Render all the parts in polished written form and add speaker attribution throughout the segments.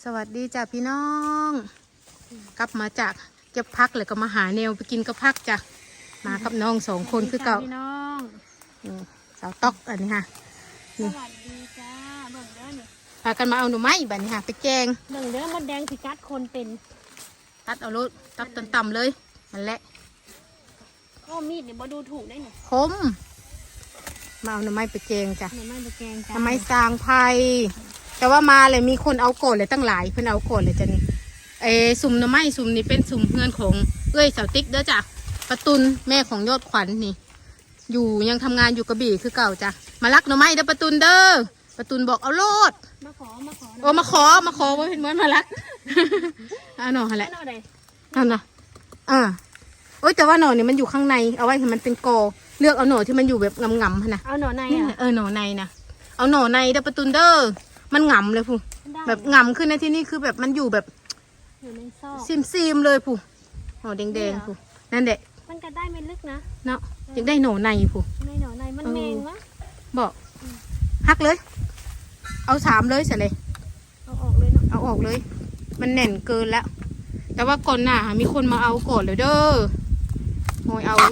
Speaker 1: สวัสดีจ้ะพี่น้องกลับมาจากเก็บพักเลยก็มาหาแนวไปกินกับพักจ้ะมากับน้องสองคนคือเก่า
Speaker 2: พี่น้อง
Speaker 1: สาวต๊อกอันนี้ค่ะ
Speaker 2: สวัสดีจ้าเบิ่งเด้อนี่
Speaker 1: พากันมาเอาหน่อไม้บัดนี้ค่ะไปแกง
Speaker 2: เบิ่งเด้อมดแดงพิกัดคนเป็น
Speaker 1: ตัดเอารถตัดต่ำๆเลยนั่นแหละ
Speaker 2: ก็มีดเนี่ยบ่ดูถูกได้หนิ
Speaker 1: คมมาเอาหน่อไม้ไปแกงจ้ะ
Speaker 2: หน่อไม้ตะแกง
Speaker 1: ห
Speaker 2: จ้า
Speaker 1: น่อไม้สร้างไผ่แต่ว่ามาเลยมีคนเอาโกดเลยตั้งหลายเพิ่นเอาโกดเลยจ้ะนี่สุ่มหน่อไม้สุ่มนี่เป็นสุ่มเพื่อนของเอ้ยสาวติ๊กเด้อจ้ะประตุนแม่ของยอดขวัญนี่ อยู่ยังทำงานอยู่กระบี่คือเก่าจ้ะมาลักหน่อไม้เด้อประตุนเด้อประตุนบอกเอาโลด
Speaker 2: มาขอ
Speaker 1: โอ้มาขอว่าเป็นเหมือนมาลัก เอาหน่อหั่นแหละ
Speaker 2: เอาหน่อใด
Speaker 1: เอาหน่อโอ้ยแต่ว่าหน่อนี่มันอยู่ข้างในเอาไว้ให้มันเป็นกอเลือกเอาหน่อที่มันอยู่แบบงำๆหั่นนะ
Speaker 2: เอาหน่อใน
Speaker 1: นี่
Speaker 2: อ่ะ
Speaker 1: หน่อในนะเอาหน่อในเด้อประตุนเด้อมันงำเลยผู้
Speaker 2: ได้
Speaker 1: แบบงำขึ้นในที่นี่คือแบบมันอยู่แบบ
Speaker 2: อยู่ในซอก
Speaker 1: ซิมเลยผู้หน่อแดงๆผู้นั่นแหละ
Speaker 2: มันก็ได้ไม่ลึกนะ
Speaker 1: เนาะอยากได้หน่อในผู้
Speaker 2: ในหน่อในมันแมงวะ
Speaker 1: บอกหักเลย เอา3เลยเสร็จเลย
Speaker 2: เอาออกเลยเนาะ
Speaker 1: เอาออกเลย มันแน่นเกินแล้ว แต่ว่าก่อนหน้ามีคนมาเอาก่อนเลยเด้อโอยเอา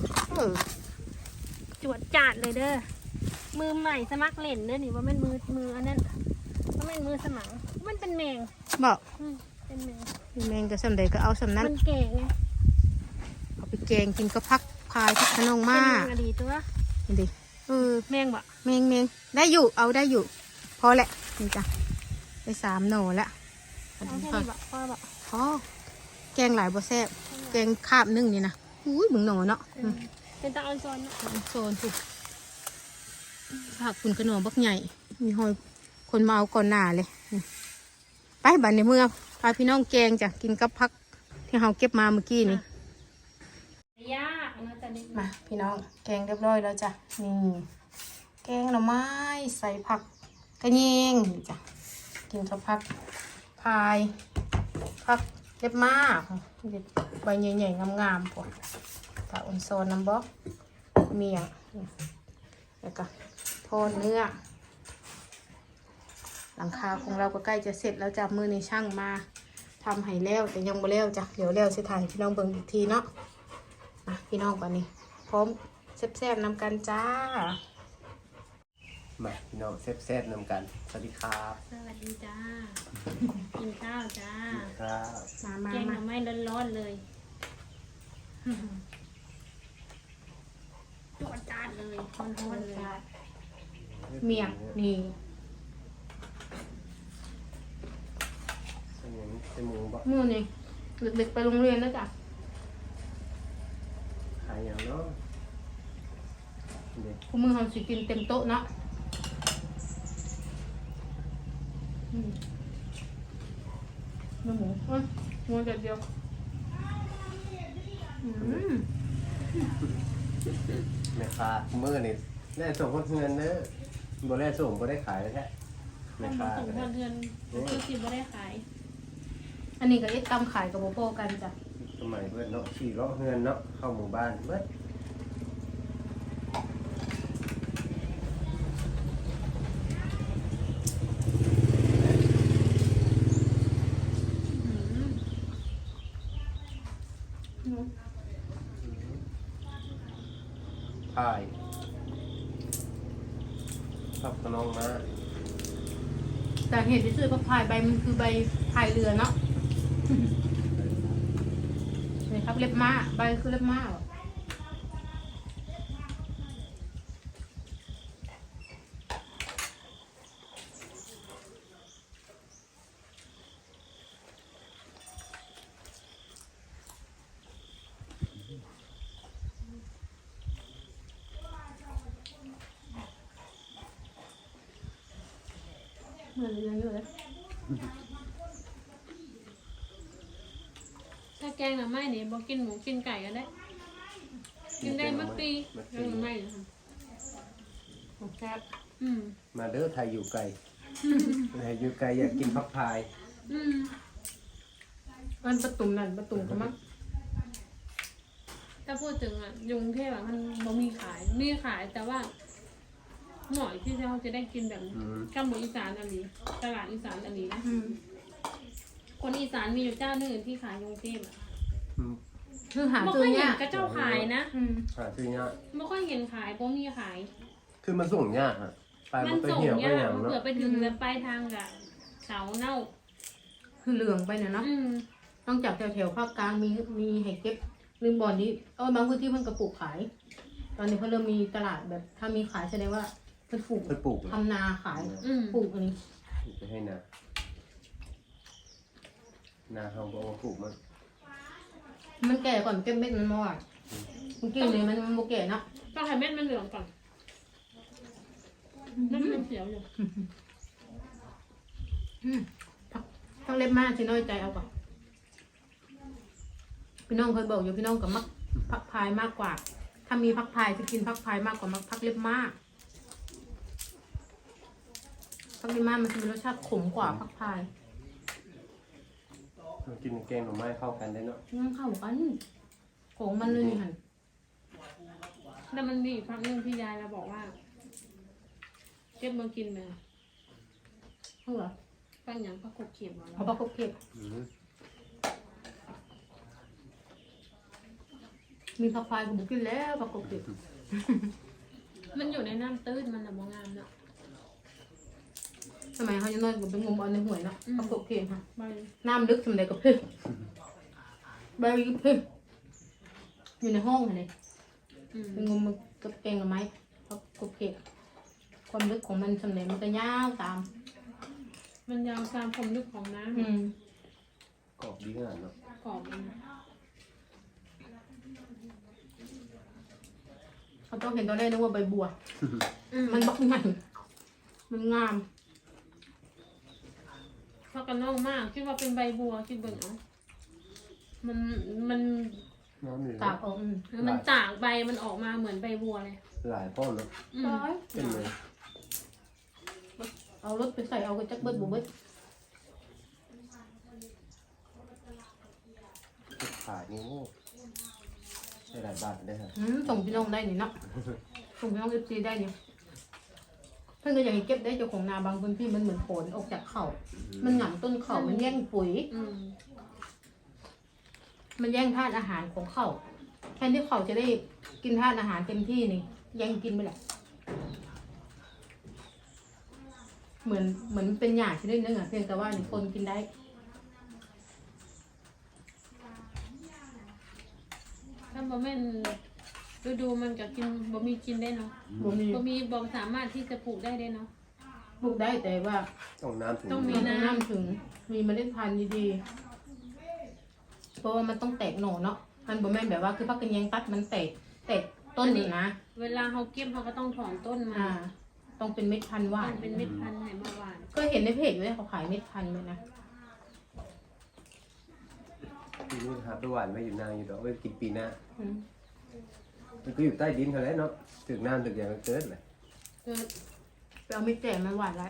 Speaker 2: จวดจาดเลยเด้อมือใหม่สมัครเล่นเด้อนี่ว่ามันมืออันนั้นว่ามันมือสมังมันเป็นแมง
Speaker 1: บอก
Speaker 2: เป็นแมง
Speaker 1: แมงจะสำเร็จก็เอาสำนั้น
Speaker 2: มันแก่ไง
Speaker 1: เอาไปแกงกินก็พักพายพักขนม
Speaker 2: เป็น
Speaker 1: มา
Speaker 2: แม
Speaker 1: ก
Speaker 2: งอดีตัว
Speaker 1: นี่ดิ
Speaker 2: แมงบ่
Speaker 1: แมงได้อยู่เอาได้อยู่ พอแหละนี่จ้ะได้3 หน่อแล้ว
Speaker 2: เอาแค่นี้บ่พอบ่
Speaker 1: พอแกงหลายบ่แซ่บแกงคาบนึ่งนี่นะอุ้ยมึงหน่อเนาะ
Speaker 2: เป็นตาออนซอนเนาะ
Speaker 1: โซนถูกผักคุณขนมบักใหญ่ มีหอยคนมาเอาก่อนหน้าเลยนี่ไปบัดในเมื่อพาพี่น้องแกงจ้ะกินกับพักที่เราเก็บมาเมื่อกี้นี่
Speaker 2: ยากนะแต่นี่
Speaker 1: มาพี่น้องแกงเรียบร้อยแล้วจ้ะนี่แกงหน่อไม้ใส่ผักกระเยงนี่จ้ะกินกับผักพายผักเล็บมากใบใหญ่ๆงามๆพวกตาอ่อนโซนน้ำบ๊อกเมียงแล้วก็ทอดเนื้อหลังคาของเราก็ใกล้จะเสร็จแล้วจ้ะมือในช่างมาทำให้แล้วแต่ยังไม่แล้วจ้ะเดี๋ยวแล้วสิถ่ายให้พี่น้องเบิ่งอีกทีเนาะพี่น้องก่อนนี่พร้อมแซ่บๆนำกันจ้า
Speaker 3: มาพี่น้องแซ่บๆนำกันสวัสดีครับ
Speaker 2: สวัสดีจ้า กินข้าวจ้า
Speaker 3: ครับ
Speaker 1: มา
Speaker 2: แกงหน่อไม้ร้อนๆเลยจวดจาดเลยร้อนๆเลย
Speaker 1: เมียงนี่
Speaker 3: เป็นอย่างนี้เป็นหมูบ่
Speaker 1: มือนี่เด็กๆไปโรงเรียนแล้วจ้ะ
Speaker 3: ขายอย่างเนาะเด็ก
Speaker 1: พวกมือเขาสิกินเต็มโต๊ะเนาะเนื้อหมูหมูเดียว
Speaker 3: แม่ค้ามื้อนี่ได้ส่งคนเงินเด้อบ่ได้ส่งบ่ได้ขายแท้แม่
Speaker 2: ทำ
Speaker 3: ค้า
Speaker 2: มาถึง
Speaker 3: ก็
Speaker 2: เดื
Speaker 3: ได้
Speaker 2: อนคือสิบ่ได้ขาย
Speaker 1: อันนี้ก็เอ็ดตำขายกับโบโปกันจ้ะ
Speaker 3: สมัยเพิ่นเนาะขี่เลาะเงินเนาะเข้าหมู่บ้านเบิด พายขับกระนองมา
Speaker 1: แต่เห็นที่ซื้อผักพายใบมันคือใบพายเรือเนาะนี่ครับเล็บม้าใบคือเล็บม้าเหรอเหมือนเรืออยู่เลย
Speaker 2: ถ้าแกงหน่อไม้นี่บ่กินหมูกินไก่ก็ได้ กินได้เมื่อปีแกงหน่อไม้นะคะ
Speaker 1: แซ่บ
Speaker 3: มาเด้อไทยอยู่ไกลไทยอยู่ไกลอยากกินผักพาย
Speaker 1: มันประตุ่มนั่นประตุ่มก็มั้ง
Speaker 2: ถ้าพูดถึงอ่ะยุงเทพอ่ะมันบ่มีขาย มีขายแต่ว่า หน่อยที่เราจะได้กินแบบ
Speaker 3: อืม
Speaker 2: กัมพูอีสานอันนี้ตลาดอีสานอันนี้นะคนอีสานมีอยู่เจ้าหนึ่งที่ขายยงเทพอ่ะ
Speaker 3: อืม
Speaker 1: คือหา
Speaker 2: ไม่
Speaker 1: ซื้
Speaker 2: ค่
Speaker 1: อ
Speaker 2: อย
Speaker 1: เนี่
Speaker 2: เห็
Speaker 1: ย
Speaker 2: นกระเจ้าขายนะ
Speaker 3: หาซื้อยาก
Speaker 2: ไม่ค่อยเห็นขายเพราะมีขาย
Speaker 3: คือมันส่งยากอ่ะไป
Speaker 2: มั
Speaker 3: มัน นไป
Speaker 2: ส่ง
Speaker 3: เหี่ยวไป
Speaker 2: ยา
Speaker 3: อก ย่าง
Speaker 2: มัน
Speaker 3: เนาะ
Speaker 2: เผื่อไปถึงแล้วปลายทางกะเสาเน่า
Speaker 1: คือเหลืองไปเนี่ยเนาะ
Speaker 2: อืม
Speaker 1: นอกจากแถวๆภาคกลางมีให้เก็บลืมบอลนี้บางพื้นที่เพิ่นกระปลูกขาย ตอนนี้เพิ่นเริ่มมีตลาดแบบถ้ามีขายแสดงว่าเพิ่นปลูก
Speaker 3: ไปปลูก
Speaker 1: ทำนาขาย
Speaker 2: อืม
Speaker 1: ปลูกอันนี้
Speaker 3: ไปให้นาเขาบอกว่าปลูกมัน
Speaker 1: มันแก่ก่อนเก็บเม็ดมันมาอ่ะมันกินเลยมันโมแก่เนาะ
Speaker 2: ต้องให้เม็ดมันเหลืองก่อนน้ำมันเขียวอยู่
Speaker 1: ต้องเล็บมากสิน้อยใจเอาก่อนพี่น้องเคยบอกอยู่พี่น้องกับมักพักพายมากกว่า ถ้ามีพักพายจะกินพักพายมากกว่ามักพักเล็บมากพักเล็บมากมันจะมีรสชาติขมกว่าพักพาย
Speaker 3: มันกินแกงหน่อไม้เข้ากันได้เนาะ
Speaker 1: มันเข้ากันของมันเลยนี่หัน
Speaker 2: แล้วมันมีอีกครั้งหนึงที่ยายเราบอกว่าเก็บมากินไหม
Speaker 1: เพื่อ
Speaker 2: ฟังอย่างพระกบเขียบมาแล้
Speaker 1: เอา
Speaker 2: ว
Speaker 1: ปลากบเก็บ
Speaker 3: อืม
Speaker 1: มีพักพายกับบุกินแล้วปลากบเก็บ
Speaker 2: มันอยู่ในน้ำตื้นมันน่ะมองงามเนาะ
Speaker 1: สมัยเขายังน้อยกับเป็นงมเอาในห่วยเนาะปลากบเก็บค่ะ
Speaker 2: ใบ
Speaker 1: น้ำลึกสมัยใดกับเพื่อนใบกับเพื่อนอยู่ในห้องเลย
Speaker 2: อืม
Speaker 1: เป็นงมกับแกงกับไม้ปลากบเก็บความลึกของมันสมัยมันก็ยาวตาม
Speaker 2: มันยาวตามความลึกของน้
Speaker 3: กรอบดีขนาดเนาะ
Speaker 2: ำกรอบมัน
Speaker 1: เขาต้องเห็นตอนแรกนึกว่าใบบัว มันบักใหญ่มันงาม
Speaker 2: เพราะกันน้องมากคิดว่าเป็นใบบัวคิดเบิ่งเอามัน
Speaker 3: น้ำนี่
Speaker 1: ตากออก
Speaker 2: มันตากใบมันออกมาเหมือนใบบัวเลย
Speaker 3: หลายพ่อเนาะ
Speaker 2: อืม
Speaker 1: ร้อย
Speaker 3: เป็นเลย
Speaker 1: เอารถไปใส่เอากระจักเบิดบุเบิด
Speaker 3: ขายนี่โอ้ได้หลายบาทได้ฮะ
Speaker 1: ส่งพี่น้องได้นี่เนาะส่งพี่น้องเอฟซีได้เนี่ยเพื่อนก็อยากให้เก็บได้เจ้าของนาบางพื้นที่มันเหมือนผลออกจากเข่ามันหงำต้นเข่ามันแย่งปุ๋ย
Speaker 2: อืม
Speaker 1: มันแย่งธาตุอาหารของเขาแทนที่เขาจะได้กินธาตุอาหารเต็มที่นี่แย่งกินไปแหละเหมือนเป็นหยาชนิดนึงอ่ะเพียงแต่ว่านี่คนกินได้
Speaker 2: ถ้าบ่แม่นฤดูมันก็กินบ่มีกินได้เนาะ
Speaker 1: บ่มี
Speaker 2: บ่สามารถที่จะปลูกได้เนาะ
Speaker 1: ปลูกได้แต่ว่า
Speaker 3: ต้องน้ำถึง
Speaker 2: ต้องมี
Speaker 1: มันต้องน้ำถึงมีเมล็ดพันธุ์ดีๆเพราะว่ามันต้องแตกหน่อเนาะมันบ่แม่นแบบว่าคือพักกันแยงตัดมันแตกต้นนี่นะ
Speaker 2: เวลาเขาเก็บเขาก็ต้องถอนต้นมา
Speaker 1: ต้องเป็นเม็ดพันธุ์หวาน
Speaker 2: มันเป็นเม็ดพันธุ์ไหนมาหวาน
Speaker 1: ก็เห็นในเพจอยู่เลยเขาขายเม็ดพันธุ์เลยนะ
Speaker 3: ปีนี้หาไปหวานไว้อยู่นานอยู่ดอกไว้กินปีหน้า
Speaker 1: อืม
Speaker 3: มันก็อยู่ใต้ดินเท่านั้นเนาะถึงน้ำถึงอย่างมันเกิดเลย
Speaker 2: คือ
Speaker 1: ไปเอาเม็ดแจ่มันหวานแล้ว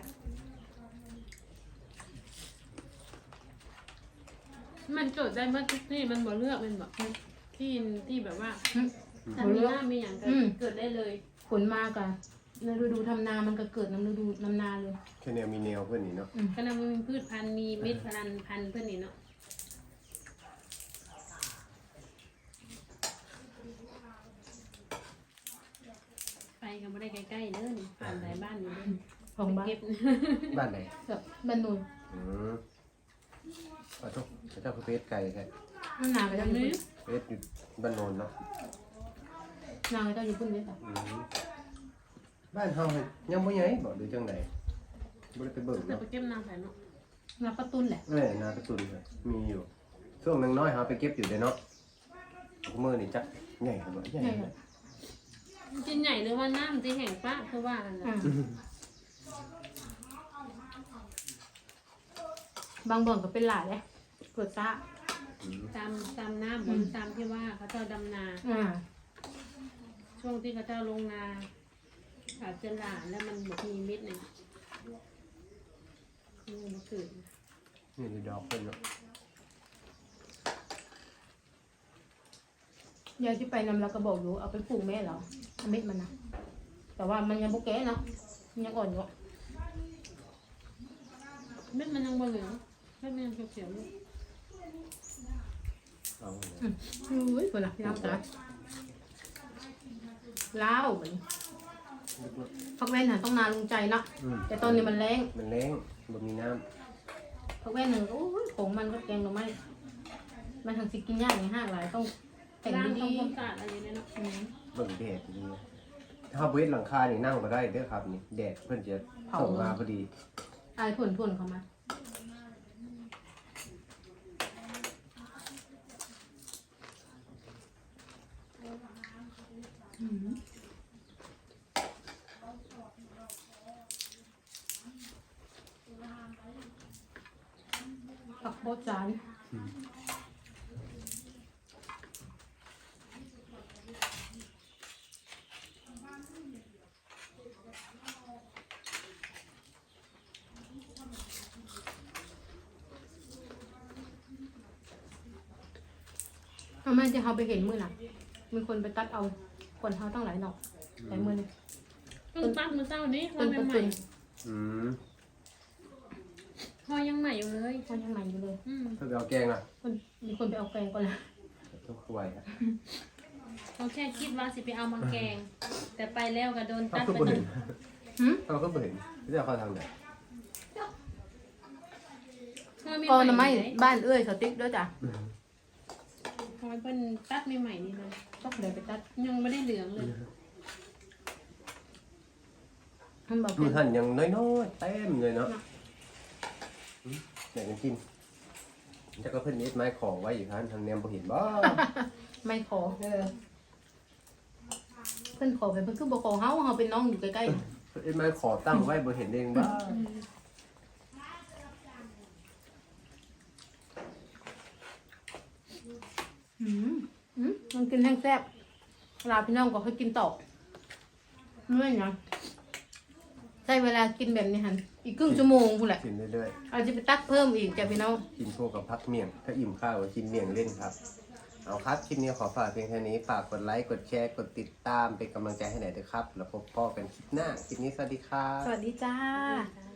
Speaker 2: มันเกิดได้เมื่อทุกที่มันบ่เลือกมันแบบที่แบบว่าถ้ามีหน้ามีอย่างเกิดได้เลย
Speaker 1: ผลมากอะในฤดูทำนามันก็เกิดน้ำฤดูน้ำนาเลย
Speaker 3: แค่แนวมีแนวเพื่อนนี่เนาะ
Speaker 2: ก็นำมันมีพืชพันธุ์มีเม็ดพันธุ์เพื่อนนี่เนาะไปกันไม่ได้ใกล้ๆเด้อนี่ผ่านหลายบ้านอยู่เด้อ
Speaker 1: ของบ้าน
Speaker 2: เก็บ
Speaker 3: บ้านไหน
Speaker 1: แบบบ้านนูน
Speaker 3: อืมขอโทษพระเจ้าคือเพชรไก่แค่
Speaker 1: น้ำนาไปเจ้าอยู่
Speaker 2: นี่
Speaker 1: พุ่น
Speaker 3: เพชรอยู่บ้านโนนเนาะ
Speaker 1: นาไปเจ้าอยู่พุ่นเลยค่ะ
Speaker 3: อืมบ้านเฮาเฮ็ดยังบ่ใหญ่บ่หรือจังไดบ่ได้ไปเบิ่ง
Speaker 2: เรา
Speaker 3: เนาะ
Speaker 2: ไปเก็บนางใส่เนาะ
Speaker 1: นาประตุนแหละ
Speaker 3: นาตะตุนเนี่ยมีอยู่ช่วงหนึงน้อยเฮาไปเก็บอยู่เด้เนาะมื้อนี่จักใหญ่บ่ใหญ่
Speaker 1: ใช่ค่ะ
Speaker 2: จินใหญ่หรือว่าน้ำที่แห่งป้าคือว่ากันนะ
Speaker 1: บางบ่อนก็เป็นหลายเลยเกิดซ่า
Speaker 2: ตามน้ำบนตามที่ว่าเขาเจ้าดำนา ช่วงที่เขาเจ้าลงนาอาจจะหลานแล้วมันบกมีเม็ดหนึ่งนี่มันเกิด
Speaker 3: นี่คือดอกเพิ่นเนาะ
Speaker 1: ยายที่ไปนำเราก็บอกอยู่เอาไปปลูกแม่เหรอเอาเม็ดมันนะแต่ว่ามันยังโบแก่เนาะมันยังอ่อนอยู่
Speaker 2: เม็ดมันยังบ่เหลืองให้แม่เขียวๆลูก
Speaker 3: เอา
Speaker 1: อุ้ยคนละพี่น้องจ้ะล้าวเหมือนพักแว่นหาต้องนาลุงใจเนาะแต่ตอนนี้มันแรง
Speaker 3: มันแรงบ่มีน้
Speaker 1: พักแว่นหนึ่งโอ้ยของมันก็แกงหน่อไม้มันทางสิกินยากในห้างหลายต้องแต่ง
Speaker 2: ล้าง
Speaker 1: ดี
Speaker 2: ทำความสะอาดอะไรเนี่ยเนาะ
Speaker 3: ำเบิ่งแดดดีถ้าเวทหลังคานี่นั่งบ่ได้เด้อครับนี่แดดเพิ่นจะส่งมาพอดี
Speaker 1: อายผลเขามาผักโบจานทำไมจะเขาไปเห็นมือน่ะ มีคนไปตัดเอาคนเขาตั้งหลายดอกหลายมือเลย
Speaker 2: เพิ่งตัดมือเจ้านี้
Speaker 1: ต้น
Speaker 2: ให
Speaker 1: ต้น
Speaker 2: ม่
Speaker 1: ต้น
Speaker 3: อืม
Speaker 2: ๆพอยังใหม่อยู่เลย
Speaker 1: เขายังใหม่อยู่เลย
Speaker 3: เพิ่นไปเอาแกงน่ะ
Speaker 1: คนมีคนไปเอาแกงก่อนละ
Speaker 3: ทุกไวครับ
Speaker 2: เขาแค่คิดว่าสิไปเอามาแกง แต่ไปแล้วก็โดน
Speaker 3: เขา
Speaker 2: ตัด
Speaker 3: ก็
Speaker 2: ไป
Speaker 3: บ่
Speaker 2: ห
Speaker 3: เห็
Speaker 2: นึ่
Speaker 3: น
Speaker 2: ง
Speaker 3: เขาก็บ่เห็นเดี๋ยวเขาทางไหน
Speaker 1: ก็น้ำไม้บ้านเอ้ยเขาติ๊กด้วยจ้ะ
Speaker 2: ทำไมเพิ่นตัดใหม่ๆนี่นะ
Speaker 1: ต้องเดินไปตัด
Speaker 2: ยังไม่ได้เหลืองเลย
Speaker 1: มันบอก
Speaker 3: มื
Speaker 1: เป็
Speaker 3: อน หั่นยังน้อยๆเต็มเลยเนาะอยากจะกินแต่ก็เพิ่นเอ็ดไม้ของไว้อยู่ครับทางแนมบ่เห็นบ่
Speaker 1: ไม่ขอเพิ่นขอไปเพิ่นคือบอกขอเฮาเป็นน้องอยู่ใกล้ๆน่ะ
Speaker 3: เพิ่นเอ็ดไม้ขอตั้งไว้บ่เห็นเองบ่
Speaker 1: มันกินแห้งแซ่บเวลาพี่น้องก็ให้กินต่อเมื่อยนะใช้เวลากินแบบนี้หันอีกครึ่งชั่วโมงพูดแหละ
Speaker 3: กินเรื่อย
Speaker 1: อาจจะไปตักเพิ่มอีกจ้ะพี่น้อง
Speaker 3: ๆกินคู่กับพักเมี่ยงถ้าอิ่มข้าวก็กินเมี่ยงเล่นครับเอาครับคลิปนี้ขอฝากเพียงแค่นี้ฝากกดไลค์กดแชร์กดติดตามเป็นกำลังใจให้หน่อยด้วยครับแล้วพบกันคลิปหน้าคลิปนี้สวัสดีครับ
Speaker 1: สวัสดีจ้า
Speaker 2: จ้า